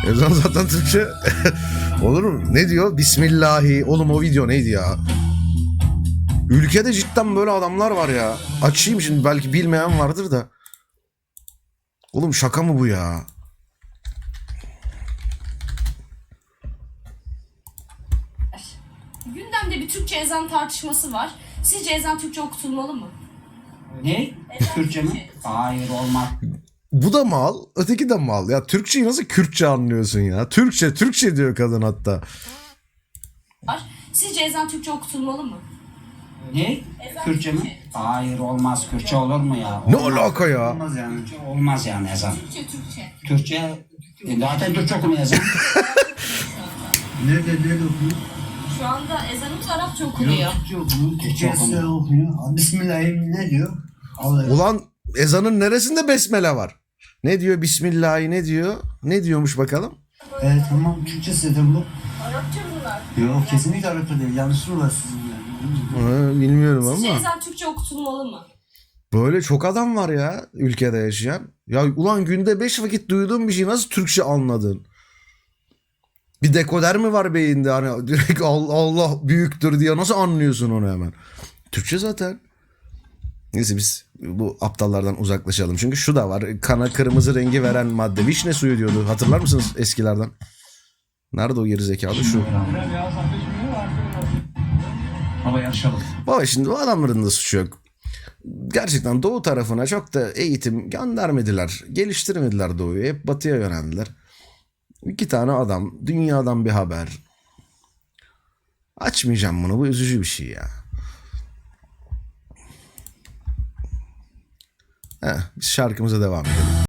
Ezan zaten Türkçe. Olur mu? Ne diyor? Bismillahi. Oğlum o video neydi ya? Ülkede cidden böyle adamlar var ya. Açayım şimdi, belki bilmeyen vardır da. Oğlum şaka mı bu ya? Gündemde bir Türkçe ezan tartışması var. Sizce ezan Türkçe okutulmalı mı? Ne? Ezan Türkçe mi? Hayır, olmaz. Bu da mal, öteki de mal. Ya Türkçeyi nasıl Kürtçe anlıyorsun ya? Türkçe diyor kadın hatta. var. Sizce ezan Türkçe okutulmalı mı? Ne? Ezan Türkçe mi? Hayır, olmaz. Kürtçe olur mu ya? Ne Olmaz. alaka ya? Olmaz yani. Olmaz yani ezan. Türkçe. Türkçe, zaten Türkçe okumuyor ezan. Nerede okuyor? Şu anda ezanımız Arapça okunuyor. Türkçe okuyor. Türkçe Türkçe okuyor. Bismillahirrahmanirrahim ne diyor? Allah. Ulan ezanın neresinde besmele var? Ne diyor Bismillahi, ne diyor? Ne diyormuş bakalım? Tamam Türkçe zaten bu. Arapça bunlar. Yok kesinlikle Arapça değil. Yanlışlığı var sizin yani. Bilmiyorum Sizce ama. ezan Türkçe okutulmalı mı? Böyle çok adam var ya ülkede yaşayan. Ya ulan günde 5 vakit duyduğun bir şeyi nasıl Türkçe anladın? Bir dekoder mi var beyinde, hani direkt Allah büyüktür diye nasıl anlıyorsun onu hemen? Türkçe zaten. Neyse biz bu aptallardan uzaklaşalım. Çünkü şu da var. Kana kırmızı rengi veren madde. Vişne suyu diyordu. Hatırlar mısınız eskilerden? Nerede o gerizekalı? Şu. Ama yarışalım. Baba şimdi o adamların da suçu yok. Gerçekten doğu tarafına çok da eğitim göndermediler. Geliştirmediler doğuyu. Hep batıya yöneldiler. 2 tane adam. Dünyadan bir haber. Açmayacağım bunu. Bu üzücü bir şey ya. Biz şarkımıza devam edelim.